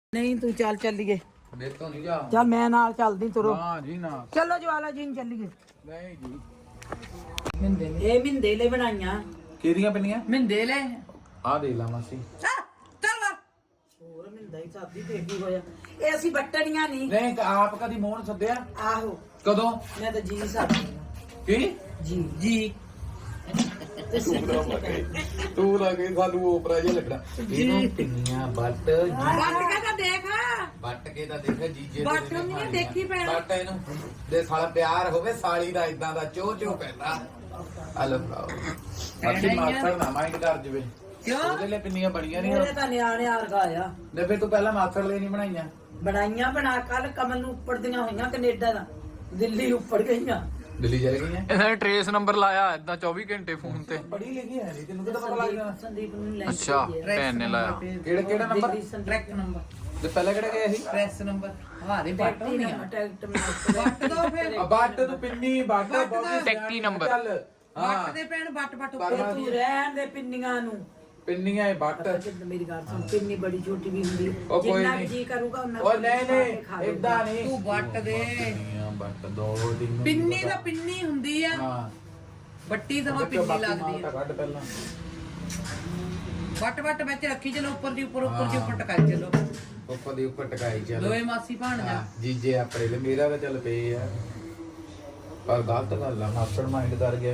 नहीं तू चल चलिए मेरे तो नहीं जा चल मैं नाल चलदी तुरो ना जी ना चलो ज्वाला जी चलिए नहीं जी ਇਹ ਮਿੰਦੇ ਲੈ ਬਣਾਈਆਂ ਕਿਹਦੀਆਂ ਪਿੰਨੀਆਂ ਮਿੰਦੇ ਲੈ ਆ ਦੇ ਲਾ ਮਾਸੀ ਚੱਲ ਹੋਰ ਮਿੰਦਾ ਹੀ ਸਾਦੀ ਤੇ ਕੀ ਹੋਇਆ ਇਹ ਅਸੀਂ ਬੱਟਣੀਆਂ ਨਹੀਂ ਨਹੀਂ ਆਪ ਕਦੀ ਮੋਹਨ ਸੱਦਿਆ ਆਹੋ ਕਦੋਂ ਮੈਂ ਤਾਂ ਜੀ ਸਾਦੀ ਕੀ ਜੀ ਤੂੰ ਲੱਗੇ ਸਾਨੂੰ ਓਪਰਾ ਜਿਹਾ ਲੱਗਣਾ ਇਹਨੂੰ ਪਿੰਨੀਆਂ ਬੱਟ ਬੱਟ ਕੇ ਤਾਂ ਦੇਖ ਬੱਟ ਕੇ ਤਾਂ ਦੇਖ ਜੀਜੇ ਬੱਟ ਨੂੰ ਨਹੀਂ ਦੇਖੀ ਪੈਣਾ ਬੱਟ ਇਹਨੂੰ ਦੇ ਸਾਲਾ ਪਿਆਰ ਹੋਵੇ ਸਾਲੀ ਦਾ ਇਦਾਂ ਦਾ ਚੋ ਚੋ ਪੈਂਦਾ ਹਲੋ ਭਰਾਓ ਅਸੀਂ ਮਾਸਟਰ ਨਾ ਮਾਈਂਡ ਕਰ ਜਵੇ ਕਿਉਂ ਉਹਦੇ ਲਈ ਪਿੰਨੀਆਂ ਬਣੀਆਂ ਨਹੀਂ ਮੇਰੇ ਤਾਂ ਨਿਆਣੇ ਵਰਗਾ ਆ ਨੇ ਫਿਰ ਤੂੰ ਪਹਿਲਾਂ ਮਾਸਟਰ ਲਈ ਨਹੀਂ ਬਣਾਈਆਂ ਬਣਾਈਆਂ ਬਣਾ ਕੱਲ ਕਮਲ ਨੂੰ ਉੱਪਰਦੀਆਂ ਹੋਈਆਂ ਕੈਨੇਡਾ ਦਾ ਦਿੱਲੀ ਉੱਪਰ ਗਈਆਂ ਦਿੱਲੀ ਚਲੇ ਗਈਆਂ ਇਹਨੇ ਟ੍ਰੇਸ ਨੰਬਰ ਲਾਇਆ ਇਦਾਂ 24 ਘੰਟੇ ਫੋਨ ਤੇ ਬੜੀ ਲਿਖੀ ਹੈ ਨਹੀਂ ਤੈਨੂੰ ਕਿਹਦਾ ਪਤਾ ਲੱਗ ਜਾਣਾ ਸੰਦੀਪ ਨੂੰ ਲੈ ਅੱਛਾ ਭੈਣ ਨੇ ਲਾਇਆ ਕਿਹੜਾ ਨੰਬਰ ਟਰੈਕਟ ਨੰਬਰ ਤੇ ਪਹਿਲਾਂ ਕਿਹੜਾ ਗਿਆ ਸੀ ਪ੍ਰੈਸ ਨੰਬਰ ਹਵਾਰੇ ਬੱਟ ਹੋਣੀਆਂ ਟਰੈਕਟ ਬੱਟ ਦੋ ਫਿਰ ਬੱਟ ਤੂੰ ਪਿੰਨੀ ਬੱਟ ਬਹੁਤ ਟੈਕਟੀ ਨੰਬਰ। ਚੱਲ ਬੱਟ ਦੇ ਪੈਣ ਬੱਟ ਉੱਪਰ ਤੂੰ ਰਹਿਣ ਦੇ ਪਿੰਨੀਆਂ ਨੂੰ ਪਿੰਨੀਆਂ ਇਹ ਬੱਟ ਮੇਰੀ ਗੱਲ ਸੁਣ ਪਿੰਨੀ ਬੜੀ ਛੋਟੀ ਵੀ ਹੁੰਦੀ ਉਹ ਕੋਈ ਜਿੰਨਾ ਨਹੀਂ। ਜੀ ਕਰੂਗਾ ਉਹਨਾਂ ਉਹ ਨਹੀਂ ਇਦਾਂ ਨਹੀਂ ਤੂੰ ਬੱਟ ਦੇ ਪਿੰਨੀਆਂ ਬੱਟ ਦੋ ਦਿਨ ਪਿੰਨੀ ਤਾਂ ਪਿੰਨੀ ਹੁੰਦੀ ਆ ਹਾਂ ਬੱਟੀ ਤਾਂ ਪਿੰਨੀ ਲੱਗਦੀ ਆ ਕੱਢ ਪਹਿਲਾਂ ਬੱਟ ਵਿੱਚ ਰੱਖੀ ਚਲੋ ਉੱਪਰ ਦੀ ਉੱਪਰ ਟਕਾਈ ਚਲੋ ਉੱਪਰ ਦੀ ਉੱਪਰ ਟਕਾਈ ਚੱਲ ਦੋਏ ਮਾਸੀ ਭਾਣ ਜਾ ਜੀਜੇ ਆਪਣੇ ਲਈ ਮੇਰਾ ਤਾਂ ਚੱਲ ਪਏ ਆ ਪਰ ਗਲਤ ਗੱਲ ਆ ਮਾਸਟਰ ਮਾਈਂਡ ਕਰ ਗਿਆ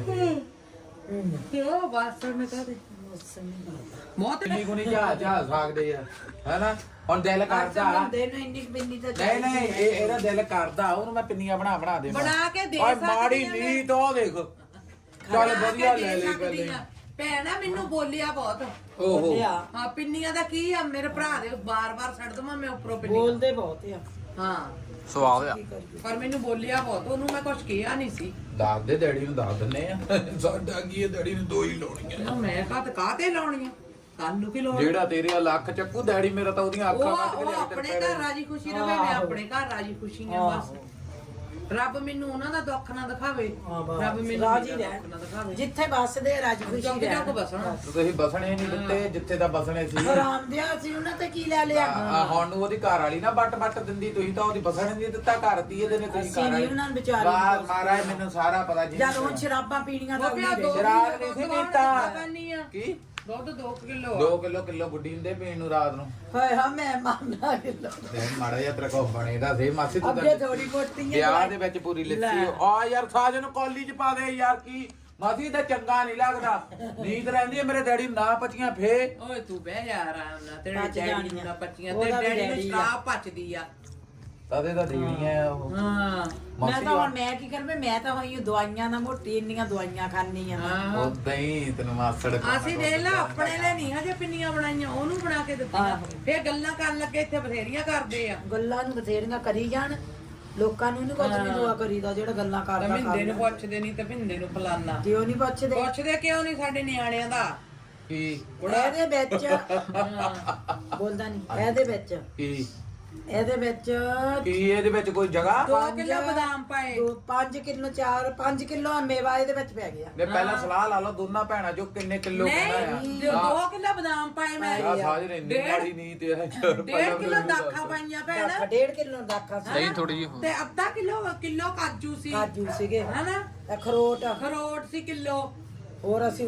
ਕਿਉਂ ਬਾਸਰ ਨੇ ਕਹਦੇ ਬਹੁਤ ਪਿੰਨੀ ਕੋ ਨਹੀਂ ਜਾ ਸਕਦੇ ਆ ਹੈਨਾ ਹੁਣ ਦਿਲ ਕਰਦਾ ਬੰਦੇ ਨੂੰ ਇੰਨੀ ਪਿੰਨੀ ਤਾਂ ਨਹੀਂ ਇਹਦਾ ਦਿਲ ਕਰਦਾ ਉਹਨੂੰ ਮੈਂ ਪਿੰਨੀਆਂ ਬਣਾ ਦੇ ਬਣਾ ਕੇ ਦੇ ਓਏ ਸਕਦੀ ਮਾੜੀ ਆ ਮੈਂ। ਨੀਤ ਉਹ ਦੇਖ ਚੱਲ ਵਧੀਆ ਲੈ ਲਈ ਸਕਦੀ ਪਹਿਲੇ ਆ। ਭੈਣਾ ਮੈਨੂੰ ਬੋਲਿਆ ਬਹੁਤ ਓਹੋ ਹਾਂ ਪਿੰਨੀਆਂ ਦਾ ਕੀ ਆ ਮੇਰੇ ਭਰਾ ਦੇ ਬਾਰ-ਬਾਰ ਛੱਡ ਦਵਾਂ ਮੈਂ ਉੱਪਰੋਂ ਪਿੰਨੀ ਬੋਲਦੇ ਬਹੁਤ ਆ ਹਾਂ ਸਵਾਦ ਆ ਪਰ ਮੈਨੂੰ ਬੋਲਿਆ ਬਹੁਤ ਉਹਨੂੰ ਮੈਂ ਕੁਝ ਕਿਹਾ ਨਹੀਂ ਸੀ ਦੱਸ ਦੇ ਡੈਡੀ ਨੂੰ ਦੱਸ ਦਿੰਨੇ ਆ ਸਾਡਾ ਕੀ ਹੈ ਡੈਡੀ ਨੂੰ ਦੋ ਹੀ ਲਾਉਣੀਆਂ ਨਾ ਮੈਂ ਕਾਹਤੇ ਲਾਉਣੀਆਂ ਕੱਲ ਨੂੰ ਕੀ ਲੋੜ ਜਿਹੜਾ ਤੇਰੇ ਲੱਖ ਚੱਕੂ ਡੈਡੀ ਮੇਰਾ ਤਾਂ ਉਹਦੀਆਂ ਅੱਖਾਂ ਉਹ ਆਪਣੇ ਘਰ ਰਾਜੀ ਖੁਸ਼ੀ ਰਵੇ ਮੈਂ ਆਪਣੇ ਘਰ ਰਾਜੀ ਖੁਸ਼ੀ ਆ ਬਸ ਰੱਬ ਮੈਨੂੰ ਉਹਨਾਂ ਦਾ ਦੁੱਖ ਨਾ ਦਿਖਾਵੇ ਰੱਬ ਮੈਨੂੰ ਰਾਜੀ ਮੇਰਾ ਦੁੱਖ ਨਾ ਰਹਿ ਦਿਖਾਵੇ ਜਿੱਥੇ ਵੱਸਦੇ ਰਾਜੀ ਖੁਸ਼ੀ ਚੁੱਕ ਰਹਿ ਚੁੱਕ ਬਸਣਾ ਤੁਸੀਂ ਬਸਣੇ ਨਹੀਂ ਦਿੱਤੇ ਜਿੱਥੇ ਤਾਂ ਬਸਣੇ ਸੀ ਆਰਾਮ ਦਿਆ ਸੀ ਉਹਨਾਂ ਤੇ ਕੀ ਲੈ ਲਿਆ ਹੁਣ ਨੂੰ ਉਹਦੀ ਘਰ ਵਾਲੀ ਨਾ ਬੱਟ ਦਿੰਦੀ ਤੁਸੀਂ ਤਾਂ ਉਹਦੀ ਬਸਣ ਨਹੀਂ ਦਿੱਤਾ ਘਰ ਦੀ ਇਹਦੇ ਨੇ ਤੁਸੀਂ ਅਸੀਂ ਘਰ ਨਹੀਂ ਵਾਲੀ ਉਹਨਾਂ ਨੂੰ ਵਿਚਾਰੀ ਬਾਹਰ ਮਹਾਰਾਜ ਮੈਨੂੰ ਸਾਰਾ ਪਤਾ ਜੀ ਜਦ ਹੁਣ ਸ਼ਰਾਬਾਂ ਪੀਣੀਆਂ ਤਾਂ ਉਹ ਪਿਆ ਦੋ ਸ਼ਰਾਬ ਨਹੀਂ ਸੀ ਪੀਤਾ ਕੀ ਦੁੱਧ 2 ਕਿਲੋ 2 ਕਿਲੋ ਗੁੱਡੀ ਹੁੰਦੇ ਪੀਣ ਨੂੰ ਰਾਤ ਨੂੰ ਹਾਏ ਹਾਂ ਮੈਂ ਮੰਨਦਾ ਕਿਲੋ ਤੇ ਮਾੜਾ ਜਿਹਾ ਤੇਰਾ ਕੋ ਬਣੇਦਾ ਸੀ ਮਾਸੀ ਤੂੰ ਅੱਗੇ ਥੋੜੀ ਮੋਟੀ ਵਿਆਹ ਦੇ ਵਿੱਚ ਪੂਰੀ ਲੱਸੀ ਆ ਯਾਰ ਸਾਜ ਨੂੰ ਕਾਲਜ ਪਾ ਦੇ ਯਾਰ ਕੀ ਮਾਸੀ ਤਾਂ ਚੰਗਾ ਨਹੀਂ ਲੱਗਦਾ ਨੀਂਦ ਰਹਿੰਦੀ ਹੈ ਮੇਰੇ ਡੈਡੀ ਨੂੰ ਨਾ ਪਚੀਆਂ ਫੇ ਓਏ ਤੂੰ ਬਹਿ ਜਾ ਆਰਾਮ ਨਾਲ ਤੇਰੇ ਪਚ ਡੈਡੀ ਜਾਣੀਆਂ। ਨੂੰ ਨਾ ਪੱਚੀਆਂ ਉਹਦਾ ਤੇ ਵੀ ਡੈਡੀ ਨੂੰ ਡੈਡੀ ਆ। ਸ਼ਰਾਬ ਪਚਦੀ ਆ ਤਦੇ ਤਾਂ ਦੇਣੀਆਂ ਉਹ ਹਾਂ ਮੈਂ ਤਾਂ ਹੁਣ ਮੈਂ ਕੀ ਕਰਵੇਂ ਮੈਂ ਤਾਂ ਹੋਈ ਦਵਾਈਆਂ ਨਾਲ ਮੋਟੀ ਇੰਨੀਆਂ ਦਵਾਈਆਂ ਖਾਣੀ ਆ ਹਾਂ ਉਦਾਂ ਹੀ ਤੈਨੂੰ ਮਾਸੜ ਅਸੀਂ ਦੇਖ ਲਾ ਆਪਣੇ ਲਈ ਨਹੀਂ ਹਜੇ ਪਿੰਨੀਆਂ ਬਣਾਈਆਂ ਉਹਨੂੰ ਬਣਾ ਕੇ ਦਿੱਤੀਆਂ ਫੇਰ ਗੱਲਾਂ ਕਰਨ ਲੱਗੇ ਇੱਥੇ ਬਥੇਰੀਆਂ ਕਰਦੇ ਆ ਗੱਲਾਂ ਨੂੰ ਬਥੇਰੀਆਂ ਕਰੀ ਜਾਣ ਲੋਕਾਂ ਨੂੰ ਨਹੀਂ ਕੁਝ ਨਹੀਂ ਦੁਆ ਕਰੀਦਾ ਜਿਹੜਾ ਗੱਲਾਂ ਤਾਂ ਕਰਦਾ ਮਿੰਦੇ ਨੂੰ ਪੁੱਛਦੇ ਨਹੀਂ ਤੇ ਮਿੰਦੇ ਨੂੰ ਫਲਾਨਾ ਕਿਉਂ ਨਹੀਂ ਪੁੱਛਦੇ ਪੁੱਛਦੇ ਕਿਉਂ ਨਹੀਂ ਸਾਡੇ ਨਿਆਣਿਆਂ ਦਾ ਕੀ ਇਹਦੇ ਵਿੱਚ ਬੋਲਦਾ ਨਹੀਂ ਇਹਦੇ ਵਿੱਚ ਕੀ ਇਹਦੇ ਵਿੱਚ ਕੋਈ ਜਗ੍ਹਾ 2 ਕਿਲੋ ਬਦਾਮ ਪਾਏ 5 ਕਿਲੋ 5 ਕਿਲੋ ਮੇਵਾ ਇਹਦੇ ਵਿੱਚ ਪੈ ਗਿਆ ਨੇ ਪਹਿਲਾਂ ਸਲਾਹ ਲਾ ਲਓ ਦੋਨਾਂ ਭੈਣਾਂ ਜੋ ਕਿੰਨੇ ਕਿਲੋ ਨਹੀਂ 2 ਕਿਲੋ ਬਦਾਮ ਪਾਏ ਮੈਂ ਆ ਸਾਜ ਨੇ ਇੰਨੀ ਮਾੜੀ ਨਹੀਂ ਤੇ 1.5 ਕਿਲੋ ਦਾਖਾਂ ਪਾਈਆਂ ਭੈਣ 1.5 ਕਿਲੋ ਦਾਖਾ ਸੀ ਨਹੀਂ ਥੋੜੀ ਜਿਹੀ ਤੇ ਅੱਧਾ ਕਿਲੋ ਕਾਜੂ ਸੀ ਕਾਜੂ ਸੀਗੇ ਹਨਾ ਅਖਰੋਟ ਖਰੋਟ ਸੀ ਕਿਲੋ ਹੋਰ ਅਸੀਂ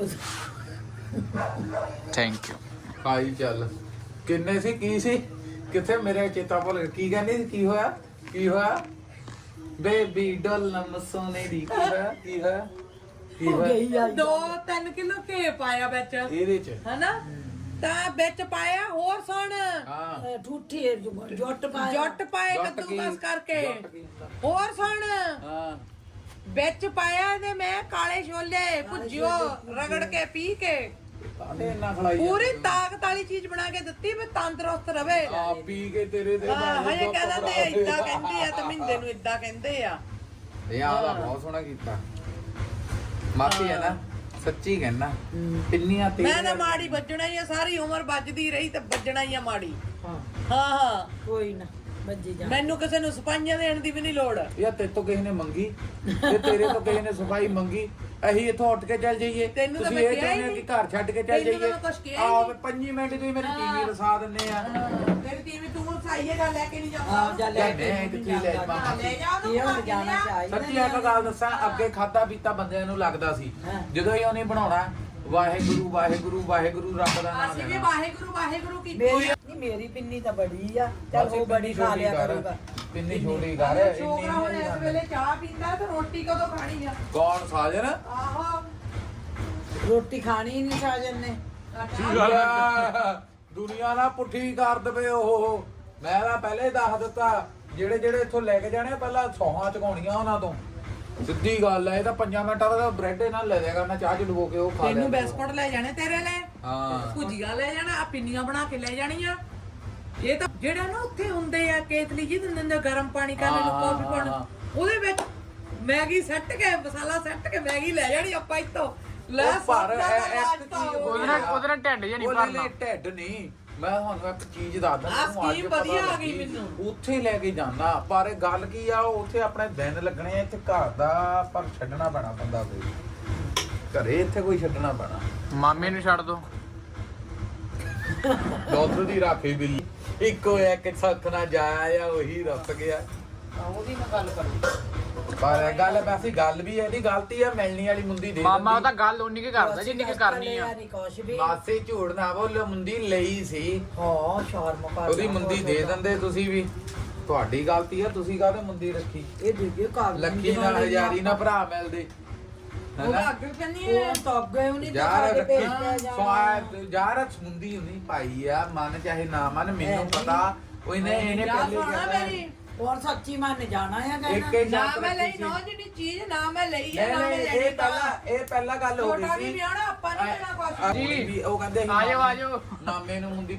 ਥੈਂਕ ਯੂ ਖਾਈ ਚੱਲ ਕਿੰਨੇ ਸੀ ਕੀ ਸੀ ਕਿੱਥੇ ਮੇਰੇ ਚੇਤਾ ਭੁੱਲ ਗਿਆ ਕੀ ਕਹਿੰਦੀ ਸੀ ਕੀ ਹੋਇਆ ਬੇਬੀ ਡੋਲਮ ਸੋਨੇ ਦੀ ਕੀ ਹੋਇਆ 2-3 ਕਿਲੋ ਘੇ ਪਾਇਆ ਵਿੱਚ ਇਹਦੇ ਚ ਹਨਾ ਤਾਂ ਵਿੱਚ ਪਾਇਆ ਹੋਰ ਸੁਣ ਹਾਂ ਠੂਠੀ ਜੁੱਟ ਪਾਇਆ ਜੱਟ ਪਾਏ ਜੱਟ ਕੀ? ਕੱਦੂਕਸ ਕਰਕੇ ਜੱਟ ਕੀ ਹੁੰਦਾ? ਹੋਰ ਸੁਣ ਹਾਂ ਵਿੱਚ ਪਾਇਆ ਇਹਦੇ ਮੈਂ ਕਾਲੇ ਛੋਲੇ ਭੁੱਜਿਓ ਰਗੜ ਕੇ ਪੀ ਕੇ ਕਾਹਦੇ ਇੰਨਾ ਖਲਾਈ ਪੂਰੀ ਤਾਕਤ ਵਾਲੀ ਚੀਜ਼ ਬਣਾ ਕੇ ਦਿੱਤੀ ਵੀ ਤੰਦਰੁਸਤ ਰਵੇ ਆ ਪੀ ਕੇ ਤੇਰੇ ਦੇ ਹਜੇ ਕਹਿੰਦੇ ਆ ਇਦਾਂ ਕਹਿੰਦੇ ਆ ਤੇ ਮਿੰਦੇ ਨੂੰ ਇਦਾਂ ਕਹਿੰਦੇ ਆ ਇਹ ਆਲਾ ਬਹੁਤ ਸੋਹਣਾ ਕੀਤਾ ਮਾਫੀ ਹੈ ਨਾ ਸੱਚੀ ਕਹਿਣਾ ਪਿੰਨੀਆਂ ਤੇ ਮੈਂ ਤਾਂ ਮਾੜੀ ਵੱਜਣਾ ਹੀ ਆ ਸਾਰੀ ਉਮਰ ਵੱਜਦੀ ਰਹੀ ਤੇ ਵੱਜਣਾ ਹੀ ਆ ਮਾੜੀ ਹਾਂ ਹਾਂ ਕੋਈ ਨਾ ਵੱਜੀ ਜਾ ਮੈਨੂੰ ਕਿਸੇ ਨੂੰ ਸਪਾਈਆਂ ਦੇਣ ਦੀ ਵੀ ਨਹੀਂ ਲੋੜ ਯਾ ਤੇ ਤੋਂ ਕਿਸੇ ਨੇ ਮੰਗੀ ਤੇ ਤੇਰੇ ਤੋਂ ਕਿਸੇ ਨੇ ਸਫਾਈ ਮੰਗੀ ਅਸੀਂ ਇੱਥੋਂ ਉੱਠ ਕੇ ਚੱਲ ਜਾਈਏ ਤੈਨੂੰ ਤਾਂ ਤੁਸੀਂ ਮੈਂ ਇਹ ਕਿਹਾ ਹੀ ਚਾਹੁੰਦੇ ਹੋ ਕਿ ਨਹੀਂ। ਘਰ ਛੱਡ ਕੇ ਚੱਲ ਤੈਨੂੰ ਤਾਂ ਜਾਈਏ ਮੈਂ ਕੁਛ ਕਿਹਾ ਹੀ ਨਹੀਂ। 5 ਮਿੰਟ ਤੁਸੀਂ ਮੇਰੀ ਟੀਵੀ ਵਸਾ ਦਿੰਦੇ ਆ ਤੇਰੀ ਟੀਵੀ ਤੂੰ ਸਾਈਏਗਾ ਲੈ ਕੇ ਨਹੀਂ ਜਾਂਦਾ ਆ ਜਾ ਲੈ ਕੇ ਲੈ ਕੀ ਲੈ ਜਾਵਾਂ। ਲੈ ਜਾ ਇਹ ਹੁਣ ਜਾਣਾ ਚਾਹੀਦਾ ਸੱਚੀ ਇੱਕ ਗੱਲ ਦੱਸਾਂ ਅੱਗੇ ਖਾਦਾ ਪੀਤਾ ਬੰਦਿਆਂ ਨੂੰ ਲੱਗਦਾ ਸੀ ਹਾਂ। ਜਦੋਂ ਹੀ ਉਹਨੇ ਬਣਾਉਣਾ ਵਾਹਿਗੁਰੂ ਵਾਹਿਗੁਰੂ ਵਾਹਿਗੁਰੂ ਰੱਬ ਦਾ ਨਾਮ ਅਸੀਂ ਵੀ ਲੈਣਾ ਵਾਹਿਗੁਰੂ ਵਾਹਿਗੁਰੂ ਕੀਤੀ ਮੇਰੀ ਨਹੀਂ ਮੇਰੀ ਪਿੰਨੀ ਤਾਂ ਬੜੀ ਆ ਚੱਲ ਉਹ ਬੜੀ ਖਾ ਲਿਆ ਕਰੂਗਾ ਪਿੰਨੀ ਛੋਟੀ ਕਰ ਛੋਕਰਾ ਹੁਣ ਇਸ ਵੇਲੇ ਚਾਹ ਪੀਂਦਾ ਤੇ ਰੋਟੀ ਕਦੋਂ ਖਾਣੀ ਆ ਕੌਣ ਸਾਜਨ ਆਹੋ ਰੋਟੀ ਖਾਣੀ ਨਹੀਂ ਸਾਜਨ ਨੇ ਦੁਨੀਆ ਨਾ ਪੁੱਠੀ ਕਰ ਦਵੇ ਉਹ ਮੈਂ ਤਾਂ ਪਹਿਲੇ ਦੱਸ ਦਿੱਤਾ ਜਿਹੜੇ ਜਿਹੜੇ ਇੱਥੋਂ ਲੈ ਕੇ ਜਾਣੇ ਪਹਿਲਾਂ ਸੌਹਾਂ ਚਕਾਉਣੀਆਂ ਉਹਨਾਂ ਤੋਂ ਸਿੱਧੀ ਗੱਲ ਹੈ ਇਹ ਤਾਂ 5 ਮਿੰਟਾਂ ਦਾ ਬ੍ਰੈਡ ਇਹਨਾਂ ਲੈ ਜਾਏਗਾ ਨਾ ਚਾਹ ਚ ਡੁਬੋ ਕੇ ਉਹ ਖਾ ਤੈਨੂੰ ਲਿਆ ਬਿਸਕੁਟ ਲੈ ਜਾਣੇ ਤੇਰੇ ਲਈ ਹਾਂ ਭੁਜੀਆ ਲੈ ਜਾਣਾ ਆ ਪਿੰਨੀਆਂ ਬਣਾ ਕੇ ਲੈ ਜਾਣੀਆਂ ਇਹ ਤਾਂ ਜਿਹੜਾ ਨਾ ਉੱਥੇ ਹੁੰਦੇ ਆ ਕੇਤਲੀ ਜੀ ਦਿੰਦੇ ਨੇ ਗਰਮ ਪਾਣੀ ਕਰਨ ਨੂੰ ਕਾਫੀ ਪਾਉਣ ਉਹਦੇ ਵਿੱਚ ਮੈਗੀ ਸੱਟ ਕੇ ਮਸਾਲਾ ਸੱਟ ਕੇ ਮੈਗੀ ਲੈ ਜਾਣੀ ਆਪਾਂ ਇੱਥੋਂ ਲੈ ਉਹ ਪਰ ਸਭ ਦਾ ਇੱਕ ਰਾਜ ਤਾਂ ਚੀਜ਼ ਹੋ ਉਹਦੇ ਨਾਲ ਢਿੱਡ ਜਿਹਾ ਨਹੀਂ ਉਹ ਭਰਨਾ ਲੈ ਢਿੱਡ ਨਹੀਂ ਮੈਂ ਤੁਹਾਨੂੰ ਇੱਕ ਚੀਜ਼ ਦੱਸਦਾ ਆਹ ਤੁਹਾਨੂੰ ਅੱਜ scheme ਪਤਾ ਵਧੀਆ ਆ ਲੱਗੀ, ਗਈ ਮੈਨੂੰ। ਉੱਥੇ ਲੈ ਕੇ ਜਾਣਾ ਪਰ ਗੱਲ ਕੀ ਆ ਉੱਥੇ ਆਪਣੇ ਦਿਨ ਲੱਗਣੇ ਆ ਇੱਥੇ ਘਰ ਦਾ ਪਰ ਛੱਡਣਾ ਪੈਣਾ ਬੰਦਾ ਕੋਈ ਘਰੇ ਇੱਥੇ ਕੋਈ ਛੱਡਣਾ ਪੈਣਾ ਮਾਮੇ ਨੂੰ ਛੱਡ ਦੋ ਦੁੱਧ ਦੀ ਰਾਖੀ ਬਿੱਲੀ ਇੱਕੋ ਇੱਕ ਸੱਖ ਨਾ ਜਾਇਆ ਆ ਉਹੀ ਰੁੱਸ ਗਿਆ ਉਹਦੀ ਮੈਂ ਗੱਲ ਕਰੂ ਪਰ ਗੱਲ ਵੈਸੇ ਗੱਲ ਵੀ ਇਹਦੀ ਗਲਤੀ ਆ ਮਿਲਣੀ ਵਾਲੀ ਮੁੰਦੀ ਦੇ ਮਾਮਾ ਉਹ ਦਿੰਦੀ। ਤਾਂ ਗੱਲ ਉਨੀ ਕੀ ਕਰਦਾ ਜਿੰਨੀ ਕੀ ਕਰਨੀ ਆ ਨਹੀਂ ਕੁਛ ਵੀ ਮਾਸੇ ਝੂੜ ਨਾ ਬੋਲੋ ਮੁੰਦੀ ਲਈ ਸੀ ਹਾਂ ਸ਼ਰਮ ਕਰ ਉਹਦੀ ਮੁੰਦੀ ਦੇ ਦਿੰਦੇ ਤੁਸੀਂ ਵੀ ਤੁਹਾਡੀ ਗਲਤੀ ਆ ਤੁਸੀਂ ਕਾਹਦੇ ਮੁੰਦੀ ਰੱਖੀ ਇਹ ਦੇਖਿਓ ਕਾਗਜ਼ ਲੱਖੀ ਨਾਲ ਹਜ਼ਾਰੀ ਨਾਲ ਭਰਾ ਮਿਲਦੇ ਉਹ ਹੈਨਾ ਅੱਗੇ ਕੰਨੀ ਉਹ ਤਾਂ ਅੱਗੇ ਉਹਨੇ ਤਾਂ ਯਾਰ ਸਾਡੇ ਰੱਖੀ ਪੇਜ ਤੇ ਜਾਣਾ ਸਵਾਦ ਯਾਰ ਮੁੰਦੀ ਹੁੰਦੀ ਭਾਈ ਆ ਮਨ ਚਾਹੇ ਨਾ ਮਨ ਮੈਨੂੰ ਪਤਾ ਉਹ ਇਹਨੇ ਜਾ ਪਹਿਲੇ ਸੁਣਾ ਕਹਿਣਾ ਮੇਰੀ ਹੋਰ ਸੱਚੀ ਮੰਨ ਜਾਣਾ ਆ ਇੱਕ ਕਹਿਣਾ ਹੀ ਨਾ ਸ਼ਰਤ ਮੈਂ ਲਈ ਰੱਖੀ ਨਾ ਸੀ। ਜਿਹੜੀ ਚੀਜ਼ ਨਾ ਮੈਂ ਲਈ ਹੈ ਨਹੀਂ ਨਾ ਮੈਂ ਨਹੀਂ ਲੈਣੀ ਇਹ ਪਹਿਲਾਂ ਗੱਲ ਹੋ ਛੋਟਾ ਗਈ ਵੀ ਸੀ ਵਿਆਹਣਾ ਆਪਾਂ ਨਹੀਂ ਲੈਣਾ ਕੁਛ ਜੀ ਉਹ ਕਹਿੰਦੇ ਸੀ ਆਜੋ ਆਜੋ ਮਾਮੇ ਨੂੰ ਮੁੰਦੀ